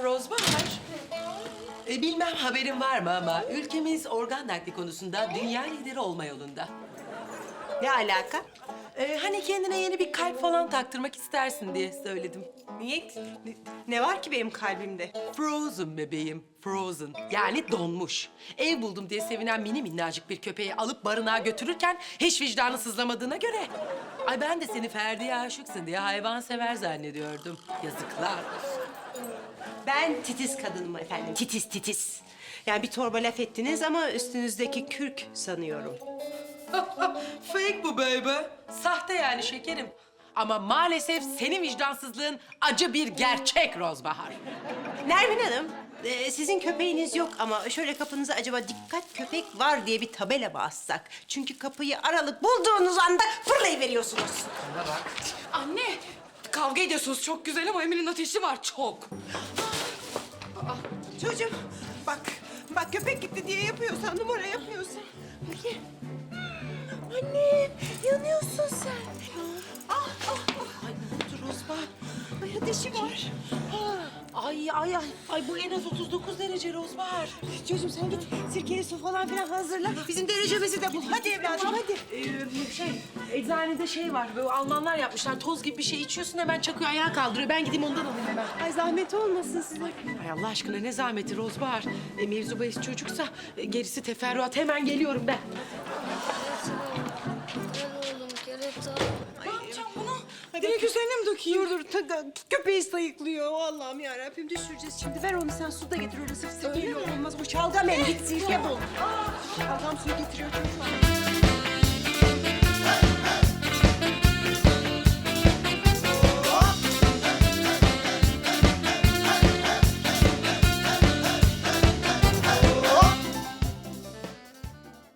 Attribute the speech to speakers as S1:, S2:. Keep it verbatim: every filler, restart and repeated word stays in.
S1: Rozbahar. E, bilmem haberin var mı ama ülkemiz organ nakli konusunda dünya lideri olma yolunda.
S2: Ne alaka?
S1: E, hani kendine yeni bir kalp falan taktırmak istersin diye söyledim.
S2: Niye? Ne, ne var ki benim kalbimde?
S1: Frozen bebeğim, frozen. Yani donmuş. Ev buldum diye sevinen mini minnacık bir köpeği alıp barınağa götürürken hiç vicdanı sızlamadığına göre... Ay ben de seni Ferdi'ye aşıksın diye hayvan sever zannediyordum. Yazıklar.
S2: Ben titiz kadınım efendim. Titiz titiz. Yani bir torba laf ettiniz ama üstünüzdeki kürk sanıyorum.
S1: Fake bu baby. Sahte yani şekerim. Ama maalesef senin vicdansızlığın acı bir gerçek Rozbahar.
S2: Nermin Hanım, e, sizin köpeğiniz yok ama şöyle kapınıza acaba dikkat köpek var diye bir tabela mı assak? Çünkü kapıyı aralık bulduğunuz anda fırlayıveriyorsunuz.
S1: Bana bak.
S3: Anne, kavga ediyorsunuz çok güzel ama Emir'in ateşi var çok.
S2: Çocuğum bak, bak köpek gitti diye yapıyorsan, numara yapıyorsan. Bakayım. Annem, yanıyorsun sen. Ah, ah, ah. Ay ne oldu Rozbahar? Ay ateşi var.
S1: Ay ay ay. Ay bu en az otuz dokuz derece Rozbahar.
S2: Çocuğum sen git sirkeli su falan filan hazırla. Bizim derecemizi de bul. Hadi evladım hadi.
S1: Ee, şey, eczanede şey var. Böyle Almanlar yapmışlar. Toz gibi bir şey içiyorsun hemen çakıyor, ayağa kaldırıyor. Ben gideyim ondan alayım hemen.
S2: Ay zahmet olmasın size.
S1: Ay Allah aşkına ne zahmeti Rozbahar. E, mevzu bahis çocuksa e, gerisi teferruat. Hemen geliyorum ben.
S4: Gel oğlum kerata.
S3: Ne yapacağım bunu? Direkt üzerine mi dökeyim?
S2: Dur dur ta- köpeği sayıklıyor. Allah'ım yarabbim düşüreceğiz şimdi. Ver onu sen su da getir öyle sırf sirkeyle olmaz. Bu şalgam el git sirke bul. Şalgam suyu getiriyor çocuklar.